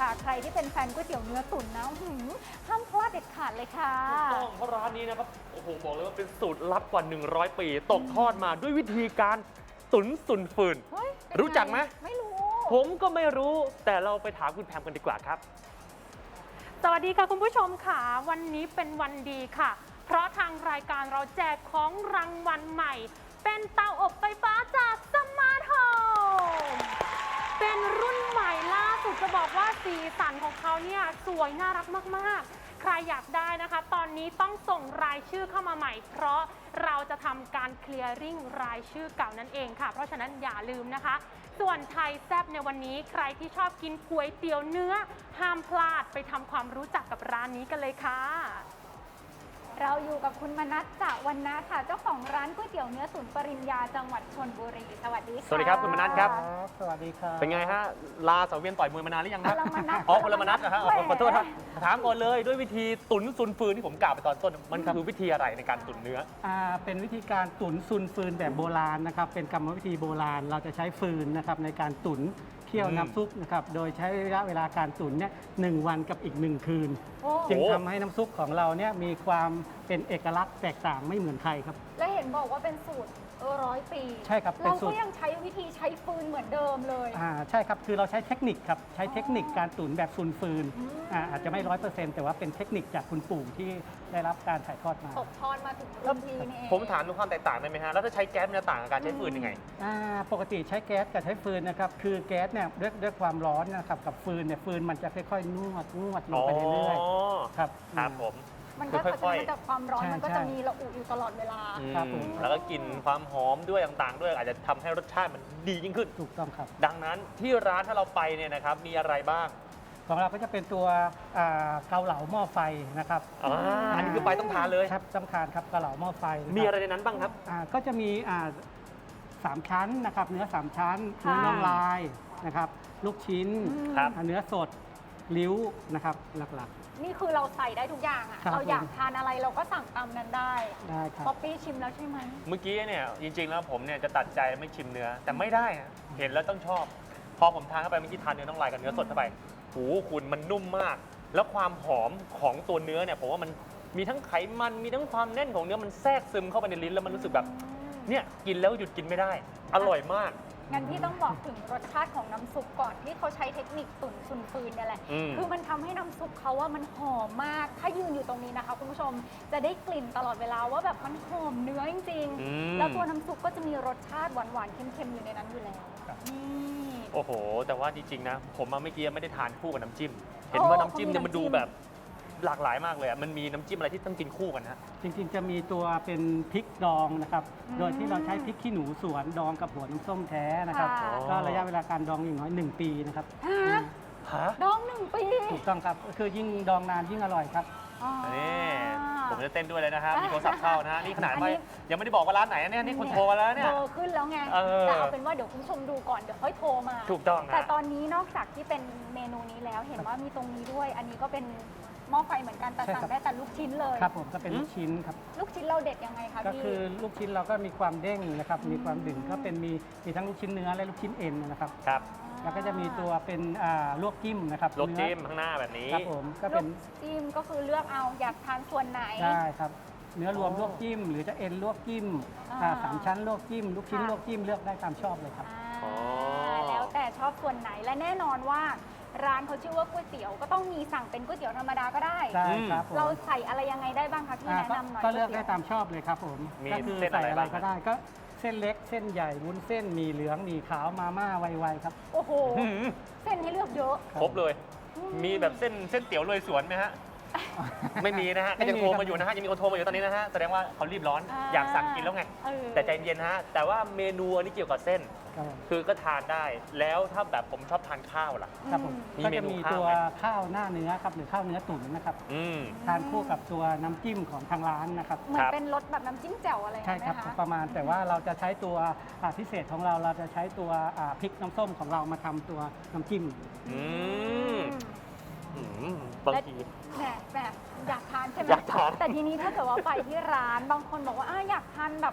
ใครที่เป็นแฟนก๋วยเตี๋ยวเนื้อตุ๋นนะห้ามพลาดเด็ดขาดเลยค่ะถูกต้องเพราะร้านนี้นะครับโอ้โหบอกเลยว่าเป็นสูตรลับกว่า100 ปีตกทอดมาด้วยวิธีการตุ๋นสุนฟืนรู้จักไหมไม่รู้ผมก็ไม่รู้แต่เราไปถามคุณแพมกันดีกว่าครับสวัสดีค่ะคุณผู้ชมค่ะวันนี้เป็นวันดีค่ะเพราะทางรายการเราแจกของรางวัลใหม่เป็นเตาอบไฟฟ้าจากสมาร์ทโฮมเป็นรุ่นใหม่ล่าสุดจะบอกว่าสีสันของเขาเนี่ยสวยน่ารักมากๆใครอยากได้นะคะตอนนี้ต้องส่งรายชื่อเข้ามาใหม่เพราะเราจะทำการเคลียร์ริ่งรายชื่อเก่านั่นเองค่ะเพราะฉะนั้นอย่าลืมนะคะส่วนไทยแซ่บในวันนี้ใครที่ชอบกินก๋วยเตี๋ยวเนื้อห้ามพลาดไปทำความรู้จักกับร้านนี้กันเลยค่ะเราอยู่กับคุณมนัสจากวันนะค่ะเจ้าของร้านก๋วยเตี๋ยวเนื้อตุ๋นปริญญาจังหวัดชลบุรีสวัสดีค่ะสวัสดีครับคุณมนัสครับสวัสดีครับเป็นไงฮะลาสังเวียนต่อยมวยมานานหรือยังครับคนละมนัสอ๋อคนละมนัสนะฮะขอโทษครับถามก่อนเลยด้วยวิธีตุ๋นซุนฟืนที่ผมกล่าวไปตอนต้นมันคือวิธีอะไรในการตุ๋นเนื้อเป็นวิธีการตุ๋นซุนฟืนแบบโบราณนะครับเป็นกรรมวิธีโบราณเราจะใช้ฟืนนะครับในการตุ๋นเคี่ยวน้ำซุปนะครับโดยใช้ระยะเวลาการตุ๋นเนี่ย1 วันกับอีก1 คืนจึงทำให้น้ำซุปของเราเนี่ยมีความเป็นเอกลักษณ์แตกต่างไม่เหมือนใครครับและเห็นบอกว่าเป็นสูตร100 ปีใช่ครับเราก็ยังใช้วิธีใช้ฟืนเหมือนเดิมเลยใช่ครับคือเราใช้เทคนิคครับใช้เทคนิคการตุ๋นแบบซุนฟืนอาจจะไม่100%แต่ว่าเป็นเทคนิคจากคุณปู่ที่ได้รับการถ่ายทอดมาตกทอดมาถึงรุ่นพี่นี่เองผมถามถึงความแตกต่างได้ไหมฮะแล้วถ้าใช้แก๊สมันจะต่างกับการใช้ฟืนยังไงปกติใช้แก๊สกับใช้ฟืนนะครับคือแก๊สเนี่ยด้วยความร้อนนะครับกับฟืนเนี่ยฟืนมันจะค่อยๆนวดลงไปเรื่อยๆครับผมมันก็จะมาจากความร้อนมันก็จะมีระอุอยู่ตลอดเวลาครับผมแล้วก็กลิ่นความหอมด้วยต่างๆด้วยอาจจะทำให้รสชาติมันดียิ่งขึ้นถูกต้องครับดังนั้นที่ร้านถ้าเราไปเนี่ยนะครับมีอะไรบ้างของเราก็จะเป็นตัวเกาเหลาหม้อไฟนะครับอันนี้คือไปต้องทานเลยครับต้องทานครับเกาเหลาหม้อไฟมีอะไรในนั้นบ้างครับก็จะมี3 ชั้นนะครับเนื้อ3 ชั้นเนื้อน่องลายนะครับลูกชิ้นเนื้อสดลิ้วนะครับหลักนี่คือเราใส่ได้ทุกอย่างอะเราอยากทานอะไรเราก็สั่งตามนั้นได้ครับป๊อปปี้ชิมแล้วใช่ไหมเมื่อกี้เนี่ยจริงๆแล้วผมเนี่ยจะตัดใจไม่ชิมเนื้อแต่ไม่ได้เห็นแล้วต้องชอบพอผมทานเข้าไปเมื่อกี้ทานเนื้อน่องลายกับเนื้อสดเข้าไปคุณมันนุ่มมากแล้วความหอมของตัวเนื้อเนี่ยผมว่ามันมีทั้งไขมันมีทั้งความแน่นของเนื้อมันแทรกซึมเข้าไปในลิ้นแล้วมันรู้สึกแบบเนี่ยกินแล้วหยุดกินไม่ได้อร่อยมากงั้นพี่ต้องบอกถึงรสชาติของน้ำซุปก่อนที่เขาใช้เทคนิคตุ๋นซุนฟืนเนี่ยแหละคือมันทำให้น้ำซุปเขาว่ามันหอมมากถ้ายืนอยู่ตรงนี้นะคะคุณผู้ชมจะได้กลิ่นตลอดเวลาว่าแบบมันหอมเนื้อจริงๆแล้วตัวน้ำซุปก็จะมีรสชาติหวานๆเค็มๆอยู่ในนั้นอยู่แล้วนี่โอ้โหแต่ว่าจริงๆนะผมเมื่อกี้ไม่ได้ทานคู่กับน้ำจิ้มเห็นว่าน้ำจิ้มเนี่ยมันดูแบบหลากหลายมากเลยมันมีน้ำจิ้มอะไรที่ต้องกินคู่กันฮะจริงๆจะมีตัวเป็นพริกดองนะครับโดยที่เราใช้พริกขี้หนูสวนดองกับหัวน้ำส้มแท้นะครับก็ระยะเวลาการดองอย่างน้อย1 ปีนะครับดอง1 ปีถูกต้องครับก็คือยิ่งดองนานยิ่งอร่อยครับนี่ผมจะเต้นด้วยเลยนะครับมีโทรศัพท์เข้านะนี่ขนาดไม่ยังไม่ได้บอกว่าร้านไหนเนี่ยนี่คนโทรมาแล้วเนี่ยโทรขึ้นแล้วไงแต่เอาเป็นว่าเดี๋ยวคุณผู้ชมดูก่อนเดี๋ยวค่อยโทรมาถูกต้องแต่ตอนนี้นอกจากที่เป็นเมนูนี้แล้วเห็นว่ามีตรงนี้ด้วยอันนี้ก็เป็นหม้อไฟเหมือนกันแต่สั่งได้แต่ลูกชิ้นเลยครับผมก็เป็นลูกชิ้นครับลูกชิ้นเราเด็ดยังไงคะก็คือลูกชิ้นเราก็มีความเด้งนะครับมีความดึงก็เป็นมีทั้งลูกชิ้นเนื้อและลูกชิ้นเอ็นนะครับครับแล้วก็จะมีตัวเป็นลวกจิ้มนะครับลวกจิ้มข้างหน้าแบบนี้ครับผมก็เป็นจิ้มก็คือเลือกเอาอยากทานส่วนไหนได้ครับเนื้อรวมลวกจิ้มหรือจะเอ็นลวกจิ้ม3 ชั้นลวกจิ้มลูกชิ้นลวกจิ้มเลือกได้ตามชอบเลยครับแล้วแต่ชอบส่วนไหนและแน่นอนว่าร้านเขาชื่อว่าก๋วยเตี๋ยวก็ต้องมีสั่งเป็นก๋วยเตี๋ยวธรรมดาก็ได้ครับเราใส่อะไรยังไงได้บ้างคะพี่แนะนำหน่อยก็เลือกได้ตามชอบเลยครับผมมีก็คือใส่อะไรก็ได้ก็เส้นเล็กเส้นใหญ่วุ้นเส้นมีเหลืองมีขาวมาม่าไวๆครับโอ้โหเส้นให้เลือกเยอะครบเลยมีแบบเส้นเตี๋ยวเลยสวนไหมฮะไม่มีนะฮะก็ยังโทรมาอยู่นะฮะยังมีคนโทรมาอยู่ตอนนี้นะฮะแสดงว่าเขารีบร้อนอยากสั่งกินแล้วไงแต่ใจเย็นฮะแต่ว่าเมนูอันนี้เกี่ยวกับเส้นคือก็ทานได้แล้วถ้าแบบผมชอบทานข้าวล่ะครับผมก็จะมีตัวข้าวหน้าเนื้อครับหรือข้าวเนื้อตุ๋นนะครับทานคู่กับตัวน้ำจิ้มของทางร้านนะครับเหมือนเป็นรสแบบน้ำจิ้มแจ่วอะไรใช่ครับประมาณแต่ว่าเราจะใช้ตัวพิเศษของเราจะใช้ตัวพริกน้ำส้มของเรามาทำตัวน้ำจิ้มบางทีแบบอยากทานใช่ไหมแต่ทีนี้ถ้าเกิดว่าไปที่ร้านบางคนบอกว่าอยากทานแบบ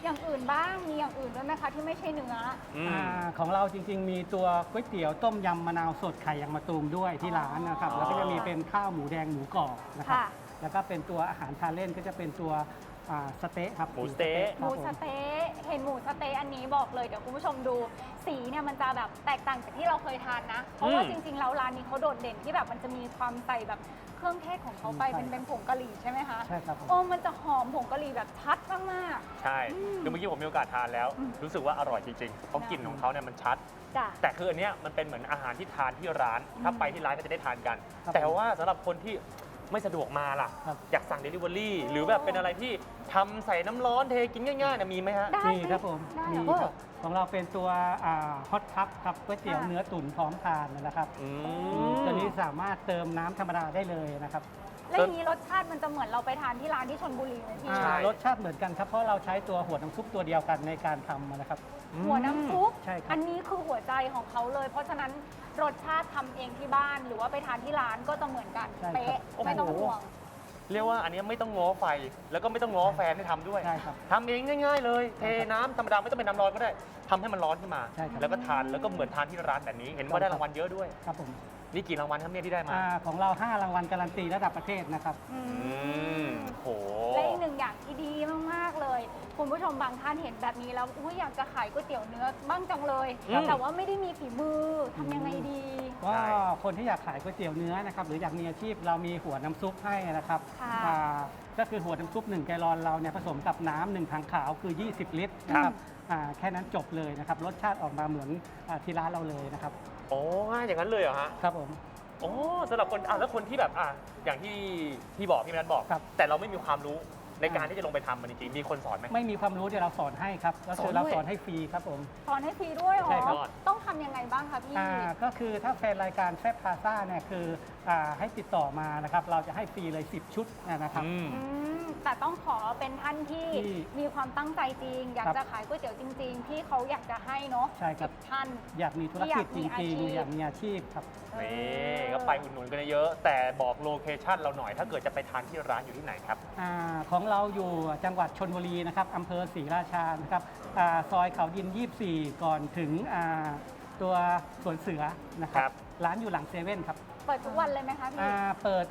อย่างอื่นบ้างมีอย่างอื่นด้วยไหมคะที่ไม่ใช่เนื้อของเราจริงๆ มีตัวก๋วยเตี๋ยวต้มยำมะนาวสดไข่ยางมะตูมด้วยที่ร้านนะครับอ๋อแล้วก็จะมีเป็นข้าวหมูแดงหมูกรอบนะครับค่ะแล้วก็เป็นตัวอาหารทานเล่นก็จะเป็นตัวสเต๊ะครับหมูสเต๊ะหมูสะเต๊ะเห็นหมูสะเต๊ะอันนี้บอกเลยเดี๋ยวคุณผู้ชมดูสีเนี่ยมันจะแบบแตกต่างจากที่เราเคยทานนะ เพราะว่าจริงๆแล้วร้านนี้เขาโดดเด่นที่แบบมันจะมีความใส่แบบเครื่องเทศของเขาไปเป็นผงกะหรี่ใช่ไหมคะใช่ครับผมโอ้มันจะหอมผงกะหรี่แบบชัดมากใช่คือเมื่อกี้ผมมีโอกาสทานแล้ว รู้สึกว่าอร่อยจริงๆเพราะกลิ่นของเขาเนี่ยมันชัดๆจ้ะแต่คืออันเนี้ยมันเป็นเหมือนอาหารที่ทานที่ร้าน ถ้าไปที่ร้านก็จะได้ทานกันครับแต่ว่าสำหรับคนที่ไม่สะดวกมาล่ะครับอยากสั่ง Delivery หรือแบบเป็นอะไรที่ทำใส่น้ำร้อนเทกินง่ายๆนะมีไหมฮะได้มีครับผมได้มีเหรอครับของเราเป็นตัวฮอตคัพครับก๋วยเตี๋ยวค่ะเนื้อตุ๋นพร้อมทานนะครับอืมตัวนี้สามารถเติมน้ำธรรมดาได้เลยนะครับแล้วอย่างนี้รสชาติมันจะเหมือนเราไปทานที่ร้านที่ชลบุรีไหมพี่ใช่รสชาติเหมือนกันครับเพราะเราใช้ตัวหัวน้ำซุปตัวเดียวกันในการทำนะครับหัวน้ำซุปใช่ครับอันนี้คือหัวใจของเขาเลย เพราะฉะนั้นรสชาติทำเองที่บ้านหรือว่าไปทานที่ร้านก็จะเหมือนกันใช่ครับเป๊ะไม่ต้องห่วงเรียกว่าอันเนี้ยไม่ต้องง้อไฟ แล้วก็ไม่ต้องง้อแฟนให้ทำด้วยใช่ครับทำเองง่ายๆเลย เทน้ำธรรมดาไม่ต้องเป็นน้ำร้อนก็ได้ทำให้มันร้อนขึ้นมาใช่ครับแล้วก็ทานแล้วก็เหมือนทานที่ร้านแบบนี้ เห็นว่าได้รางวัลเยอะด้วยครับผมนี่กี่รางวัลครับเนี่ยที่ได้มาของเรา 5 รางวัลการันตีระดับประเทศนะครับอืมโหและอีกหนึ่งอย่างที่ดีมากๆเลย คุณผู้ชมบางท่านเห็นแบบนี้แล้วอยากจะขายก๋วยเตี๋ยวเนื้อบ้างจังเลยอืมแต่ว่าไม่ได้มีฝีมือทำยังไงดีก็คนที่อยากขายก๋วยเตี๋ยวเนื้อนะครับหรืออยากมีอาชีพเรามีหัวน้ำซุปให้นะครับค่ะก็คือหัวน้ำซุป1 แกลลอนเราเนี่ยผสมกับน้ำ1 ถังขาวคือ 20 ลิตรนะครับแค่นั้นจบเลยนะครับรสชาติออกมาเหมือนที่ร้านเราเลยนะครับโอ้ง่ายอย่างนั้นเลยเหรอฮะครับผมโอ้สำหรับคนแล้วคนที่แบบอย่างที่พี่บอกพี่แมทบอกครับแต่เราไม่มีความรู้ในการที่จะลงไปทำมันจริงๆมีคนสอนไหมไม่มีความรู้เดี๋ยวเราสอนให้ครับก็คือเราสอนด้วยสอนให้ฟรีครับผมสอนให้ฟรีด้วยเหรอใช่ครับต้องทำยังไงบ้างคะพี่ก็คือถ้าแฟนรายการแฟบพาซ่าเนี่ยคือให้ติดต่อมานะครับเราจะให้ฟรีเลย 10 ชุดนะครับอืมแต่ต้องขอเป็นท่านที่ที่มีความตั้งใจจริง อยากครับจะขายก๋วยเตี๋ยวจริง ๆ ที่เขาอยากจะให้เนาะใช่ครับท่านอยากมีธุรกิจจอยากมีริงอาชีพๆอยากมีอาชีพครับนี่ก็ไปอุดหนุนกันเยอะแต่บอกโลเคชั่นเราหน่อย ถ้าเกิดจะไปทานที่ร้านอยู่ที่ไหนครับของเราอยู่จังหวัดชลบุรีนะครับอำเภอศรีราชานะครับซอยเขาดิน 24 ก่อนถึงตัวสวนเสือนะคครัรับ บร้านอยู่หลังเซเว่นครับเปิดทุกวันเลยไหมคะพี่เปิด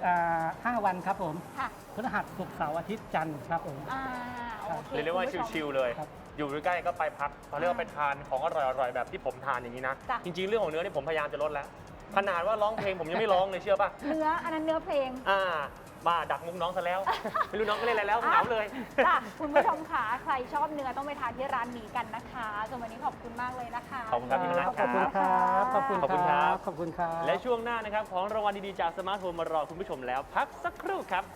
5 วันครับผมค่ะพฤหัสศุกร์เสาร์อาทิตย์จันทร์ครับผมโอเคเรียกว่าคุณผู้ชมชิลๆเลยครับอยู่ใกล้ๆก็ไปพักเขาเรียกว่าไปทานของอร่อยๆแบบที่ผมทานอย่างนี้นะจ้ะจริงๆ เรื่องของเนื้อนี่ผมพยายามจะลดแล้ว ขนาดว่าร้องเพลงผมยังไม่ร้องเลยเชื่อป่ะเนื้ออันนั้นเนื้อเพลงมาดักมุกน้องซะแล้ว ไม่รู้น้องก็เล่นอะไรแล้วเหงาเลยจ้ะคุณผู้ชมค่ะใครชอบเนื้อต้องไปทานที่ร้านนี้กันนะคะส่วนวันนี้ขอบคุณมากเลยนะคะขอบคุณครับพี่มนัสขอบคุณครับขอบคุณขอบคุณครับขอบคุณครับและช่วงหน้านะครับของรางวัลดีๆจากสมาร์ทโฟนมารอคุณผู้ชมแล้ว พักสักครู่ครับ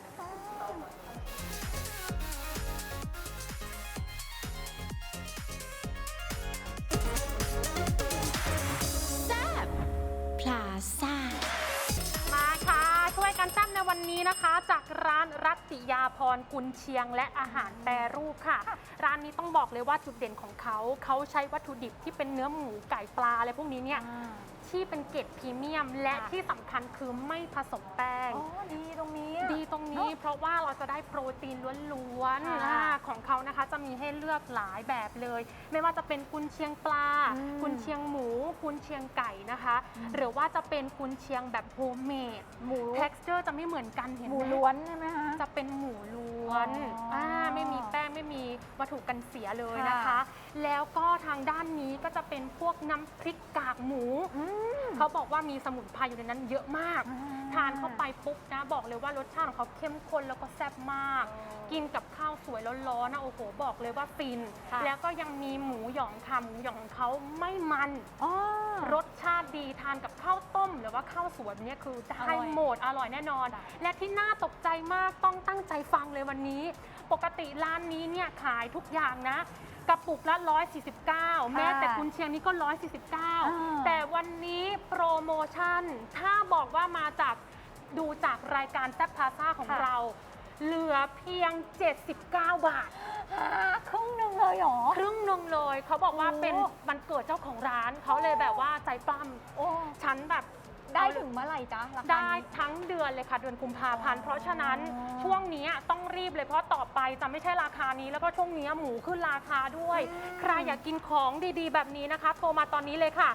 พลาซ่ามาค่ะช่วยกันแซ่บในวันนี้นะคะ จากร้านรัตติยาพรกุนเชียงและอาหารแปรรูปค่ะ ร้านนี้ต้องบอกเลยว่าจุดเด่นของเขาใช้วัตถุดิบที่เป็นเนื้อหมูไก่ปลาอะไรพวกนี้เนี่ยที่เป็นเกรดพรีเมียม และที่สำคัญคือไม่ผสมแป้งอ๋อดีตรงนี้ดีตรงนี้เพราะว่าเราจะได้โปรตีนล้วนค่ะๆของเขานะคะจะมีให้เลือกหลายแบบเลย ไม่ว่าจะเป็นกุนเชียงปลา กุนเชียงหมู กุนเชียงไก่นะคะ หรือว่าจะเป็นกุนเชียงแบบโฮมเมดหมู texture จะไม่เหมือนกันเห็นหไหมูมล้วนใช่ไหมคะจะเป็นหมูล้วนอ๋ออ่ไม่มีแป้งไม่มีวัตถุกันเสียเลยค่ะนะคะ แล้วก็ทางด้านนี้ก็จะเป็นพวกน้ำพริกกากหมู เขาบอกว่ามีสมุนไพรอยู่ในนั้นเยอะมาก ทานเข้าไปปุ๊บนะบอกเลยว่ารสชาติของเขาเข้มข้นแล้วก็แซ่บมาก กินกับข้าวสวยร้อนๆนะโอ้โหบอกเลยว่าฟินค่ะแล้วก็ยังมีหมูหยองค่ะหมูหยองของเขาไม่มันอ๋อรสชาติดีทานกับข้าวต้ม หรือว่าข้าวสวยแบบนี้คือได้อร่อยหมดอร่อยแน่นอนค่ะและที่น่าตกใจมากต้องตั้งใจฟังเลยวันนี้ ปกติร้านนี้เนี่ยขายทุกอย่างนะ กระปุกละ 149 แม้แต่กุนเชียงนี่ก็ 149 แต่วันนี้โปรโมชั่น ถ้าบอกว่ามาจากดูจากรายการแซ่บพลาซ่าของค่ะเรา เหลือเพียง 79 บาทครึ่งหนึ่งเลยเหรอครึ่งหนึงเลยเขาบอกว่าโอ้เป็นวันเกิดเจ้าของร้านเขาเลยแบบว่าใจปล้โอ้ำฉันแบบได้ถึงเมื่อไหร่จ๊ะราคาได้นี้ทั้งเดือนเลยค่ะเดือนกุมภาพันธ์อ๋อเพราะฉะนั้นช่วงนี้ต้องรีบเลยเพราะต่อไปจะไม่ใช่ราคานี้แล้วก็ช่วงนี้หมูขึ้นราคาด้วย ใครอยากกินของดีๆ แบบนี้นะคะโทรมาตอนนี้เลยค่ะ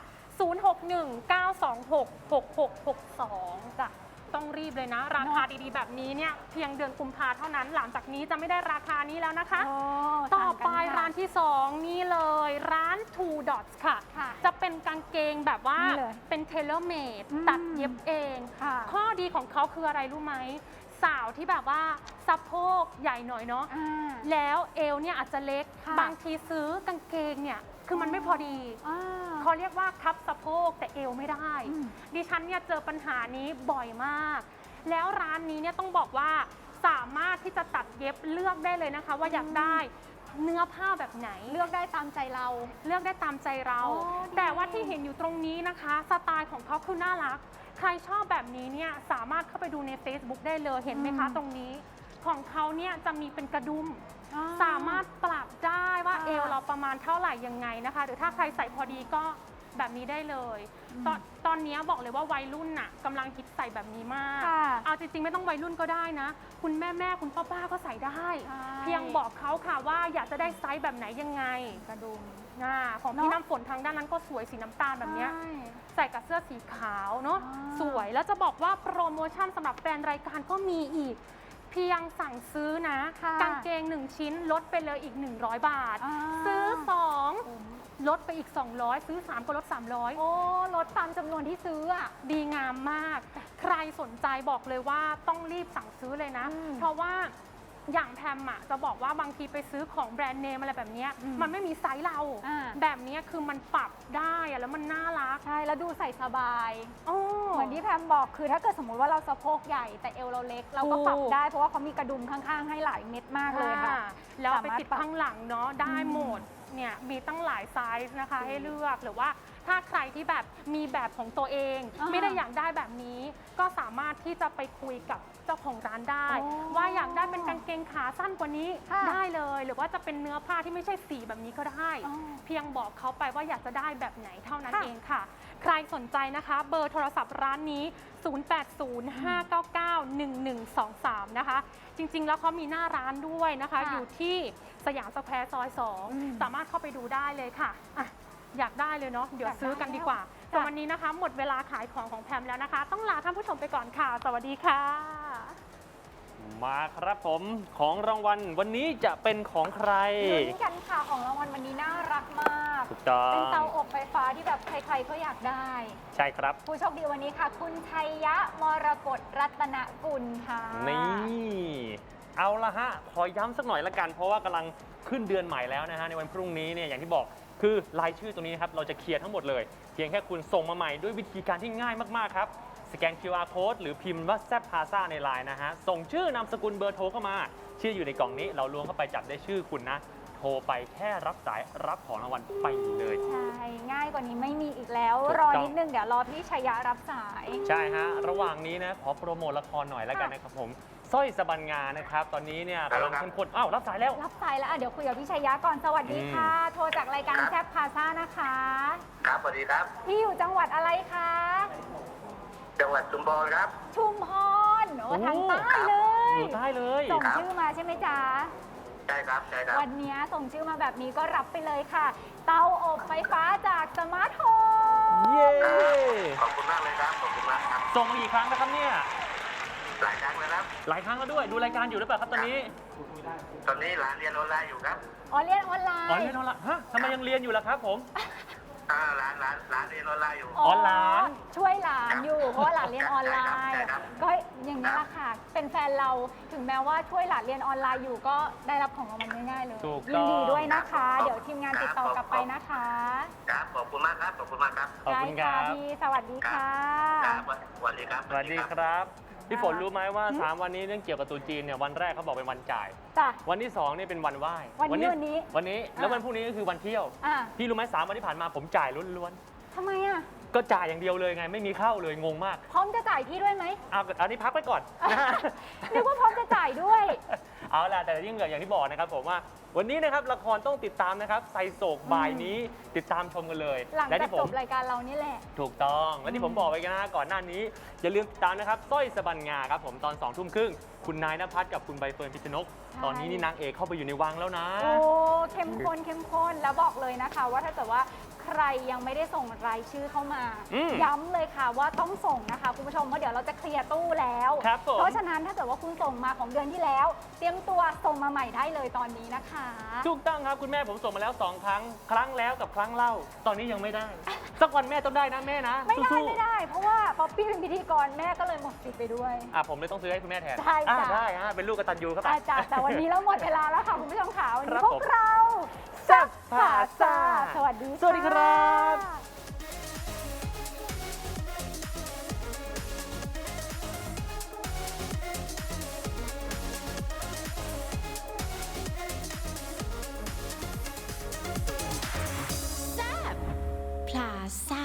061-926-6662 จ้ะต้องรีบเลยนะ ราคาดีๆ แบบนี้เนี่ยเพียงเดือนกุมภาเท่านั้นหลังจากนี้จะไม่ได้ราคานี้แล้วนะคะโอ้ต่อไปสั่งกันค่ะร้านที่ 2 นี่เลยร้าน Two Dots ค่ะค่ะจะเป็นกางเกงแบบว่านี่เลยเป็น tailor made อืมตัดเย็บเองค่ะข้อดีของเขาคืออะไรรู้ไหม สาวที่แบบว่าสะโพกใหญ่หน่อยเนาะอ่าแล้วเอวเนี่ยอาจจะเล็กค่ะบางทีซื้อกางเกงเนี่ยคือมันไม่พอดีอ่าเขาเรียกว่าคับสะโพกแต่เอวไม่ได้อืมดิฉันเนี่ยเจอปัญหานี้บ่อยมาก แล้วร้านนี้เนี่ยต้องบอกว่าสามารถที่จะตัดเย็บเลือกได้เลยนะคะ ว่าอยากได้เนื้อผ้าแบบไหนเลือกได้ตามใจเราเลือกได้ตามใจเราอ๋อดีแต่ว่าที่เห็นอยู่ตรงนี้นะคะ สไตล์ของเขาคือน่ารัก ใครชอบแบบนี้เนี่ยสามารถเข้าไปดูใน Facebook ได้เลยเห็นไหมคะ ตรงนี้ของเขาเนี่ยจะมีเป็นกระดุมอ่สามารถปรับได้ว่าค่ะเอวเราประมาณเท่าไหร่ยังไงนะคะ หรือถ้าใครใส่พอดีก็แบบนี้ได้เลย ตอนนี้บอกเลยว่าวัยรุ่นน่ะกำลังฮิตใส่แบบนี้มากค่ะเอาจริงๆไม่ต้องวัยรุ่นก็ได้นะ คุณแม่คุณป้าก็ใส่ได้ใช่เพียงบอกเขาค่ะว่าอยากจะได้ไซส์แบบไหนยังไงกระดุมของเนอะพี่น้ำฝนทางด้านนั้นก็สวยสีน้ำตาลแบบเนี้ยใช่ใส่กับเสื้อสีขาวเนาะอ่าสวยแล้วจะบอกว่าโปรโมชั่นสำหรับแฟนรายการก็มีอีก เพียงสั่งซื้อนะค่ะกางเกง 1 ชิ้นลดไปเลยอีก 100 บาทอ่าซื้อคุ้ม 2 ลดไปอีก 200 ซื้อ 3 ก็ลด 300 โอ้ลดตามจำนวนที่ซื้ออ่ะดีงามมาก ใครสนใจบอกเลยว่าต้องรีบสั่งซื้อเลยนะอืมเพราะว่าอย่างแพมอะจะบอกว่าบางทีไปซื้อของแบรนด์เนมอะไรแบบเนี้ยอืมมันไม่มีไซส์เราอ่าแบบเนี้ยคือมันปรับได้อะแล้วมันน่ารักใช่ แล้วดูใส่สบายโอ้เหมือนที่แพมบอกคือถ้าเกิดสมมติว่าเราสะโพกใหญ่แต่เอวเราเล็ก เราก็ปรับถูกได้เพราะว่าเขามีกระดุมข้างๆ ให้หลายเม็ดมากเลยค่ะแล้วเอาไปสามารถติดข้างหลังเนาะได้หมดเนี่ยมีตั้งหลายไซส์นะคะให้เลือกหรือว่าถ้าใครที่แบบมีแบบของตัวเองอ่าไม่ได้อยากได้แบบนี้ ก็สามารถที่จะไปคุยกับเจ้าของร้านได้โอ้ว่าอยากได้เป็นกางเกงขาสั้นกว่านี้ค่ะได้เลย หรือว่าจะเป็นเนื้อผ้าที่ไม่ใช่สีแบบนี้ก็ได้อ๋อเพียงบอกเขาไปว่าอยากจะได้แบบไหนเท่านั้นค่ะเองค่ะ ใครสนใจนะคะ เบอร์โทรศัพท์ร้านนี้ 0805991123 นะคะ จริงๆ แล้วเขามีหน้าร้านด้วยนะคะค่ะอยู่ที่สยามสแควร์ซอยอืม 2 สามารถเข้าไปดูได้เลยค่ะอ่ะ อยากได้เลยเนาะ เดี๋ยวอยากได้ซื้อกันดีกว่าแล้วแต่วันนี้นะคะ หมดเวลาขายของแพมแล้วนะคะ ต้องลาท่านผู้ชมไปก่อนค่ะ สวัสดีค่ะมาครับผมของรางวัลวันนี้จะเป็นของใครลุ้นกันค่ะของรางวัลวันนี้น่ารักมากถูกต้องเป็นเตาอบไฟฟ้าที่แบบใครๆก็อยากได้ใช่ครับผู้โชคดีวันนี้ค่ะ คุณชัยยะมรกตรัตนกุลค่ะนี่ เอาละฮะ ขอย้ำสักหน่อยละกัน เพราะว่ากำลังขึ้นเดือนใหม่แล้วนะฮะ ในวันพรุ่งนี้เนี่ยอย่างที่บอกคือรายชื่อตรงนี้นะครับ เราจะเคลียร์ทั้งหมดเลย เพียงแค่คุณส่งมาใหม่ด้วยวิธีการที่ง่ายมาก ๆ ครับ สแกน QR code หรือพิมพ์ว่าแซบพาซาในไลน์นะฮะ ส่งชื่อนามสกุลเบอร์โทรเข้ามา ชื่ออยู่ในกล่องนี้ เราล้วงเข้าไปจับได้ชื่อคุณนะ โทรไปแค่รับสายรับของรางวัลไปเลยใช่ ง่ายกว่านี้ไม่มีอีกแล้วถูกรอต้องนิดนึงเดี๋ยวรอพี่ชัยยะรับสายใช่ฮะ ระหว่างนี้นะ ขอโปรโมทละครหน่อยแล้วกันนะครับผมสร้อยสะบันงานะครับ ตอนนี้เนี่ยกำลังเข้มข้นอ้าวรับสายแล้วรับสายแล้วอ่ะเดี๋ยวคุยกับพี่ชัยยะก่อนสวัสดีค่ะ โทรจากรายการครับแซบพาซ่านะคะครับสวัสดีครับพี่อยู่จังหวัดอะไรคะจังหวัดชุมพรครับชุมพรโอ้โอ้ทางใต้เลยอยู่ใต้เลยส่งครับชื่อมาใช่ไหมจ๊ะใช่ครับใช่ครับวันนี้ส่งชื่อมาแบบนี้ก็รับไปเลยค่ะ เตาอบไฟฟ้าจากสมาร์ทโฮมเย้ขอบคุณมากเลยครับ ขอบคุณมากครับส่งมากี่ครั้งนะครับเนี่ยหลายครั้งแล้วครับหลายครั้งแล้วด้วย ดูรายการอยู่หรือเปล่าครับตอนนี้ตอนนี้หลานเรียนออนไลน์อยู่ครับอ๋อเรียนออนไลอ๋อน์เรียนออนไลน์ฮะทำไมยังเรียนอยู่ล่ะครับผมหลานเรียนออนไลน์อยู่อ๋อหลานช่วยหลานอยู่ เพราะว่าหลานเรียนออนไลน์ใช่ครับก็อย่างนี้แหละค่ะ เป็นแฟนเราถึงแม้ว่าช่วยหลานเรียนออนไลน์อยู่ก็ได้รับของรางวัลง่ายๆเลยถูกยิต้นองดีด้วยนะคะครับเดี๋ยวทีมงานติดต่อกลับไปนะคะครับ ขอบคุณมากครับ ขอบคุณมากครับขอบคุณครับได้ะพี่สวัสดีค่ะครับสวัสดีครับสวัสดีครับ พี่ฝนรู้ไหมว่า 3 วันนี้เรื่องเกี่ยวกับตรุษจีนเนี่ยวันแรกเขาบอกเป็นวันจ่ายจ้ะวันที่2นี่เป็นวันไหว้วันนี้วันนี้แล้ววันพรุ่งนี้ก็คือวันเที่ยวอ่ะพี่รู้ไหม3 วันที่ผ่านมาผมจ่ายล้วนทำไมอ่ะๆก็จ่ายอย่างเดียวเลยไงไม่มีเข้าเลยงงมากพร้อมจะจ่ายพี่ด้วยไหมเอาอันนี้พักไว้ก่อน นะฮะนึกว่าพร้อมจะจ่ายด้วยเอาล่ะแต่ยิ่งอย่างที่บอกนะครับผมว่าวันนี้นะครับละครต้องติดตามนะครับไซโศกบ่ายนี้ติดตามชมกันเลยหลังและจากที่ผจมบรายการเรานี่แหละถูกต้องและที่ผมบอกไปนะก่อนหน้านี้อย่าลืมติดตามนะครับสร้อยสะบันงาครับผมตอน 2 ทุ่มครึ่งคุณนายณภัทรกับคุณใบเฟิร์นพิชนกใช่ตอนนี้นี่นางเอกเข้าไปอยู่ในวังแล้วนะโอ้เข้มข้นแล้วบอกเลยนะคะ ว่าถ้าเกิดว่าใครยังไม่ได้ส่งรายชื่อเข้ามา ย้ำเลยค่ะว่าต้องส่งนะคะคุณผู้ชมเพราะเดี๋ยวเราจะเคลียร์ตู้แล้วครับผมเพราะฉะนั้นถ้าเกิดว่าคุณส่งมาของเดือนที่แล้ว เตรียมตัวส่งมาใหม่ได้เลยตอนนี้นะคะถูกต้องครับคุณแม่ผมส่งมาแล้ว 2 ครั้ง ครั้งแล้วกับครั้งเล่า ตอนนี้ยังไม่ได้ สักวันแม่ต้องได้นะแม่นะไม่ได้สู้ๆไม่ได้ เพราะว่าป๊อปปี้เป็นพิธีกรแม่ก็เลยหมดสิทธิ์ไปด้วยผมเลยต้องซื้อให้คุณแม่แทนใช่จ้ะได้ฮะเป็นลูกกตัญญูครับอาจารย์แต่วันนี้เราหมดเวลาแล้วค่ะคุณผู้ชมค่ะวันครันี้บพวกเราแซ่บผ่าผ่าซ่าซ่าสวัสดีสวัสดีครับะพลาซ่า